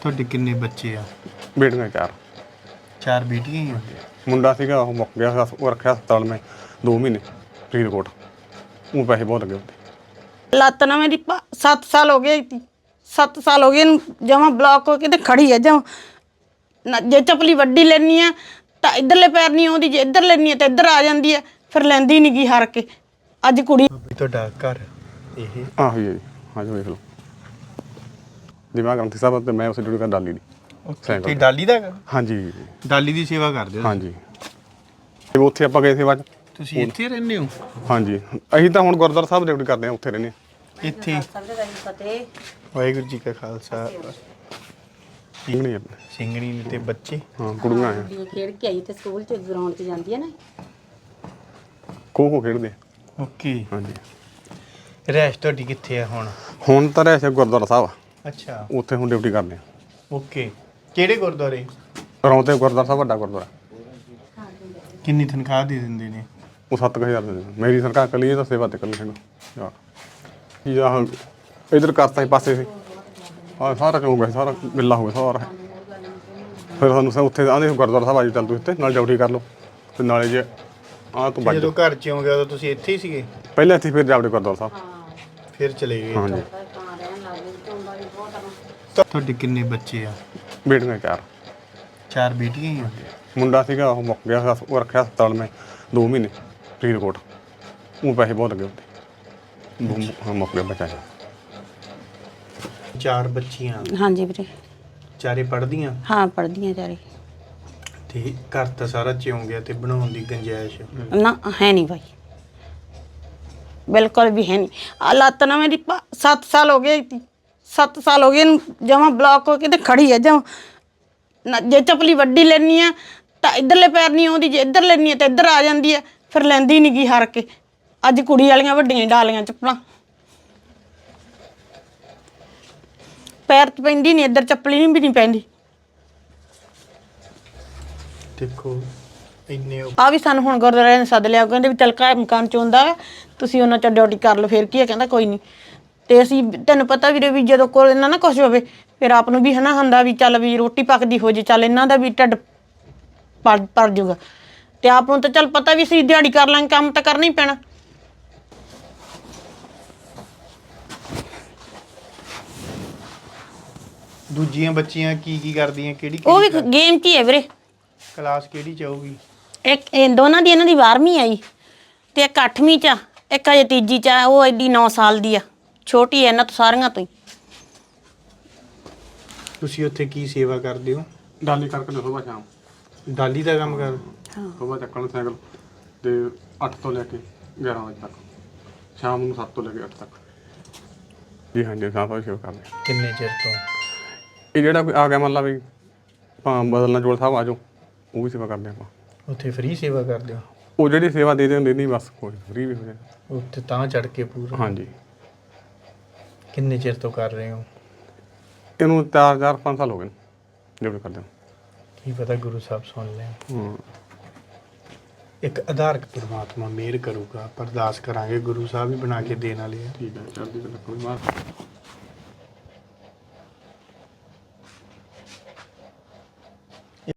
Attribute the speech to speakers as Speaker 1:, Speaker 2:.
Speaker 1: ਤੁਹਾਡੇ ਕਿੰਨੇ ਬੱਚੇ ਆ?
Speaker 2: ਬੇਟੀਆਂ 4।
Speaker 1: 4 ਬੇਟੀਆਂ ਹੀ ਆ।
Speaker 2: ਮੁੰਡਾ ਸੀਗਾ ਉਹ ਮੁੱਕ ਗਿਆ, ਉਹ ਰੱਖਿਆ ਹਸਪਤਾਲ ਮੈਂ 2 ਮਹੀਨੇ ਫਰੀਦਕੋਟ। ਉਹ ਪੈਸੇ ਬਹੁਤ ਲੱਗੇ ਉੱਤੇ।
Speaker 3: ਲੱਤ ਨਾ ਮੇਰੀ 7 ਸਾਲ ਹੋ ਗਏ, 7 ਸਾਲ ਹੋ ਗਏ ਇਹਨੂੰ ਜਮਾਂ ਬਲੌਕ ਹੋ ਕੇ ਤੇ ਖੜੀ ਹੈ ਜਮਾਂ। ਜੇ ਚੱਪਲੀ ਵੱਡੀ ਲੈਣੀ ਆ ਤਾਂ ਇੱਧਰਲੇ ਪੈਰ ਨਹੀਂ ਆਉਂਦੀ, ਜੇ ਇੱਧਰ ਲੈਣੀ ਆ ਤਾਂ ਇੱਧਰ ਆ ਜਾਂਦੀ ਹੈ, ਫਿਰ ਲੈਂਦੀ ਨਹੀਂ ਗੀ ਹਾਰ ਕੇ। ਅੱਜ ਕੁੜੀ
Speaker 1: ਤੁਹਾਡਾ ਘਰ ਇਹ
Speaker 2: ਆਹੋ ਜੀ, ਹਾਂਜੀ ਵੇਖ ਲਓ ਦਿਮਾਗ ਗ੍ਰੰਥੀ ਸਾਹਿਬ ਤੇ ਮੈਂ ਉਸ ਡਿਊਟੀ ਕਰ ਡਾਲੀ ਦੀ
Speaker 1: ਤੇ ਡਾਲੀ ਦਾ
Speaker 2: ਹਾਂਜੀ
Speaker 1: ਡਾਲੀ ਦੀ ਸੇਵਾ ਕਰਦੇ ਹੋ?
Speaker 2: ਹਾਂਜੀ ਤੇ ਉੱਥੇ ਆਪਾਂ ਗਏ ਸੇਵਾ 'ਚ।
Speaker 1: ਤੁਸੀਂ ਇੱਥੇ ਰਹਿੰਦੇ ਹੋ?
Speaker 2: ਹਾਂਜੀ ਅਸੀਂ ਤਾਂ ਹੁਣ ਗੁਰਦੁਆਰਾ ਸਾਹਿਬ ਡਿਊਟੀ ਕਰਦੇ ਹਾਂ, ਉੱਥੇ ਰਹਿੰਦੇ ਹਾਂ
Speaker 1: ਇੱਥੇ। ਵਾਹਿਗੁਰੂ ਜੀ ਕਾ ਖਾਲਸਾ।
Speaker 2: ਸਿੰਘਣੀ
Speaker 1: ਸਿੰਘਣੀ ਨੇ ਤੇ ਬੱਚੇ?
Speaker 2: ਹਾਂ ਕੁੜੀਆਂ ਆ।
Speaker 4: ਖੇਡ ਕੇ ਆਈ ਤੇ ਸਕੂਲ ਚ ਗਰਾਊਂਡ 'ਚ ਜਾਂਦੀ ਹੈ ਨਾ।
Speaker 2: ਖੋ ਖੇਡਦੇ ਆ।
Speaker 1: ਓਕੇ।
Speaker 2: ਹਾਂਜੀ
Speaker 1: ਰਹਿਸ਼ ਤੁਹਾਡੀ ਕਿੱਥੇ ਆ ਹੁਣ?
Speaker 2: ਹੁਣ ਤਾਂ ਰਹਿ ਗੁਰਦੁਆਰਾ ਸਾਹਿਬ ਆ,
Speaker 1: ਅੱਛਾ
Speaker 2: ਉੱਥੇ ਹੁਣ ਡਿਊਟੀ ਕਰਦੇ ਆ।
Speaker 1: ਓਕੇ। ਕਿਹੜੇ ਗੁਰਦੁਆਰੇ?
Speaker 2: ਰੌਂਤੇ ਗੁਰਦੁਆਰਾ ਸਾਹਿਬ ਵੱਡਾ ਗੁਰਦੁਆਰਾ।
Speaker 1: ਕਿੰਨੀ ਤਨਖਾਹ ਦੇ ਦਿੰਦੇ ਨੇ?
Speaker 2: ਉਹ 7000 ਦੇ ਦਿੰਦੇ। ਮੇਰੀ ਸਰਕਾਰ ਕੱਲੀ ਇਹ ਤਾਂ ਸੇਵਾ ਤੇ ਕੱਲੀ ਹੈਗਾ ਕੀ ਆਹ ਇਧਰ ਕਰਤਾ ਸੀ ਪਾਸੇ ਸੀ ਆਹ ਸਾਰਾ ਹੋ ਗਿਆ, ਸਾਰਾ ਗਿੱਲਾ ਹੋ ਗਿਆ ਸਾਰਾ। ਫਿਰ ਸਾਨੂੰ ਉੱਥੇ ਆਂਦੇ ਗੁਰਦੁਆਰਾ ਸਾਹਿਬ ਆ ਜੀ ਚੱਲ ਤੂੰ ਇੱਥੇ ਨਾਲ ਡਿਊਟੀ ਕਰ ਲਓ ਤੇ ਨਾਲੇ ਜੇ ਆਹ ਤੂੰ
Speaker 1: ਜਦੋਂ ਘਰ ਚ ਆਉਂਗੇ ਉਦੋਂ ਤੁਸੀਂ ਇੱਥੇ ਹੀ ਸੀਗੇ?
Speaker 2: ਪਹਿਲਾਂ ਇੱਥੇ ਫਿਰ ਜਾਵੜੇ ਗੁਰਦੁਆਰਾ ਸਾਹਿਬ
Speaker 1: ਫਿਰ ਚਲੇ ਗਏ?
Speaker 2: ਹਾਂਜੀ।
Speaker 1: ਤੁਹਾਡੇ ਕਿੰਨੇ ਬੱਚੇ ਆ?
Speaker 2: ਬੇਟੀਆਂ 4।
Speaker 1: 4 ਬੇਟੀਆਂ ਹੀ ਆ।
Speaker 2: ਮੁੰਡਾ ਸੀਗਾ ਉਹ ਮੁੱਕ ਗਿਆ, ਉਹ ਰੱਖਿਆ ਹਸਪਤਾਲ ਮੈਂ 2 ਮਹੀਨੇ ਫਰੀਦਕੋਟ। ਉਹ ਪੈਸੇ ਬਹੁਤ ਲੱਗੇ ਉੱਤੇ। ਹਾਂ ਮੁੱਕ ਗਿਆ ਬੱਚਾ।
Speaker 1: 4 ਬੱਚੀਆਂ?
Speaker 3: ਹਾਂਜੀ ਵੀਰੇ।
Speaker 1: ਚਾਰੇ ਪੜ੍ਹਦੀਆਂ?
Speaker 3: ਹਾਂ ਪੜ੍ਹਦੀਆਂ ਚਾਰੇ।
Speaker 1: ਤੇ ਘਰ ਤਾਂ ਸਾਰਾ ਚਿਉਂ ਗਿਆ ਤੇ ਬਣਾਉਣ ਦੀ ਗੁੰਜਾਇਸ਼?
Speaker 3: ਨਾ ਹੈ ਨਹੀਂ ਭਾਈ, ਬਿਲਕੁਲ ਵੀ ਹੈ ਨਹੀਂ। ਆ ਲੱਤ ਨਾ ਮੇਰੀ 7 ਸਾਲ ਹੋ ਗਏ, 7 ਸਾਲ ਹੋ ਗਏ ਇਹਨੂੰ ਜਮਾਂ ਬਲੌਕ ਹੋ ਕੇ ਤੇ ਖੜੀ ਹੈ ਜਮਾਂ। ਜੇ ਚੱਪਲੀ ਵੱਡੀ ਲੈਣੀ ਆ ਤਾਂ ਇੱਧਰਲੇ ਪੈਰ ਨਹੀਂ ਆਉਂਦੀ, ਜੇ ਇੱਧਰ ਲੈਣੀ ਆ ਤਾਂ ਇੱਧਰ ਆ ਜਾਂਦੀ ਹੈ, ਫਿਰ ਲੈਂਦੀ ਨਹੀਂ ਗੀ ਹਾਰ ਕੇ। ਅੱਜ ਕੁੜੀ ਵਾਲੀਆਂ ਵੱਡੀਆਂ ਡਾਲੀਆਂ ਚੱਪਲਾਂ ਪੈਰ 'ਚ ਪੈਂਦੀ ਨਹੀਂ, ਇੱਧਰ ਚੱਪਲੀ ਵੀ ਨਹੀਂ ਪੈਂਦੀ।
Speaker 1: ਦੇਖੋ ਇੰਨੇ
Speaker 3: ਆ ਵੀ ਸਾਨੂੰ ਹੁਣ ਗੁਰਦੁਆਰੇ ਨੇ ਸੱਦ ਲਿਆ, ਕਹਿੰਦੇ ਵੀ ਚੱਲ ਘਰ ਮਕਾਨ ਚ ਹੁੰਦਾ ਵਾ, ਤੁਸੀਂ ਉਹਨਾਂ ਚ ਡਿਊਟੀ ਕਰ ਲਓ। ਫਿਰ ਕੀ ਹੈ, ਕਹਿੰਦਾ ਕੋਈ ਨਹੀਂ। ਤੇ ਅਸੀਂ ਤੈਨੂੰ ਪਤਾ ਵੀਰੇ ਵੀ ਜਦੋਂ ਕੋਲ ਇਹਨਾਂ ਨਾ ਕੁਛ ਹੋਵੇ ਫਿਰ ਆਪ ਨੂੰ ਵੀ ਹਨਾ ਹੁੰਦਾ ਵੀ ਚੱਲ ਵੀ ਰੋਟੀ ਪੱਕਦੀ ਹੋ ਜੇ, ਚੱਲ ਇਹਨਾਂ ਦਾ ਵੀ ਢਿੱਡ ਭਰ ਜੂਗਾ। ਤੇ ਆਪ ਨੂੰ ਤਾਂ ਚੱਲ ਪਤਾ ਵੀ ਅਸੀਂ ਦਿਹਾੜੀ ਕਰ ਲਾਂਗੇ, ਕੰਮ ਤਾਂ ਕਰਨਾ ਹੀ ਪੈਣਾ।
Speaker 1: ਦੂਜੀਆਂ ਬੱਚੀਆਂ ਕੀ ਕਰਦੀਆਂ? ਕਿਹੜੀ
Speaker 3: ਉਹ ਵੀ ਗੇਮ 'ਚ ਹੀ ਹੈ ਵੀਰੇ।
Speaker 1: ਕਲਾਸ ਕਿਹੜੀ ਚ ਆਊਗੀ?
Speaker 3: ਇੱਕ ਦੋਨਾਂ ਦੀ, ਇਹਨਾਂ ਦੀ 12ਵੀਂ ਆਈ ਤੇ ਇੱਕ 8ਵੀਂ 'ਚ ਆ, ਇੱਕ ਅਜੇ ਤੀਜੀ 'ਚ ਆ। ਉਹ ਐਡੀ 9 ਸਾਲ ਦੀ ਆ, ਛੋਟੀ ਹੈ ਇਹਨਾਂ ਤੋਂ ਸਾਰੀਆਂ ਤੋਂ ਹੀ।
Speaker 1: ਤੁਸੀਂ ਉੱਥੇ ਕੀ ਸੇਵਾ ਕਰਦੇ ਹੋ?
Speaker 2: ਡਾਲੀ ਕਰਕੇ ਸੁਬਾਹ ਸ਼ਾਮ
Speaker 1: ਡਾਲੀ ਦਾ ਕੰਮ ਕਰ?
Speaker 2: ਸੁਬਾਹ ਚੱਕਣ ਸਾਈਕਲ ਤੇ 8 ਤੋਂ ਲੈ ਕੇ 11 ਵਜੇ ਤੱਕ, ਸ਼ਾਮ ਨੂੰ 7 ਤੋਂ ਲੈ ਕੇ 8 ਤੱਕ। ਜੀ ਹਾਂਜੀ ਸਾਫਾ ਸੇਵਾ ਕਰਦੇ।
Speaker 1: ਕਿੰਨੇ ਚਿਰ ਤੋਂ?
Speaker 2: ਇਹ ਜਿਹੜਾ ਕੋਈ ਆ ਗਿਆ ਮੰਨ ਲਾ ਵੀ ਭਾਂ ਬਦਲਣਾ ਜੋੜ ਸਾਹਿਬ ਆ ਜਾਓ, ਉਹ ਵੀ ਸੇਵਾ ਕਰਦੇ ਆਪਾਂ।
Speaker 1: ਉੱਥੇ ਫ੍ਰੀ ਸੇਵਾ ਕਰਦੇ ਹੋ?
Speaker 2: ਉਹ ਜਿਹੜੀ ਸੇਵਾ ਦੇ ਦਿੰਦੇ ਨਹੀਂ ਬਸ, ਕੋਈ ਫ੍ਰੀ ਵੀ ਹੋ ਜਾਏ।
Speaker 1: ਉੱਥੇ ਤਾਂ ਚੜ ਕੇ ਪੂਰਾ?
Speaker 2: ਹਾਂਜੀ।
Speaker 1: ਕਿੰਨੇ ਚਿਰ ਤੋਂ ਕਰ ਰਹੇ ਹੋ?
Speaker 2: ਇਹਨੂੰ 4-5 ਸਾਲ ਹੋ ਗਏ ਡਿਊਟੀ ਕਰਦੇ ਨੂੰ।
Speaker 1: ਕੀ ਪਤਾ ਗੁਰੂ ਸਾਹਿਬ ਸੁਣ ਲੈਣ।
Speaker 2: ਹਾਂ
Speaker 1: ਇੱਕ ਆਧਾਰਕ ਪਰਮਾਤਮਾ ਮਿਹਰ ਕਰੂਗਾ, ਅਰਦਾਸ ਕਰਾਂਗੇ, ਗੁਰੂ ਸਾਹਿਬ ਵੀ ਬਣਾ ਕੇ ਦੇਣ ਵਾਲੇ ਆ।
Speaker 2: ਠੀਕ ਹੈ, ਚੜ੍ਹਦੀ ਕਲਾ ਕੋਈ ਮਾਰ।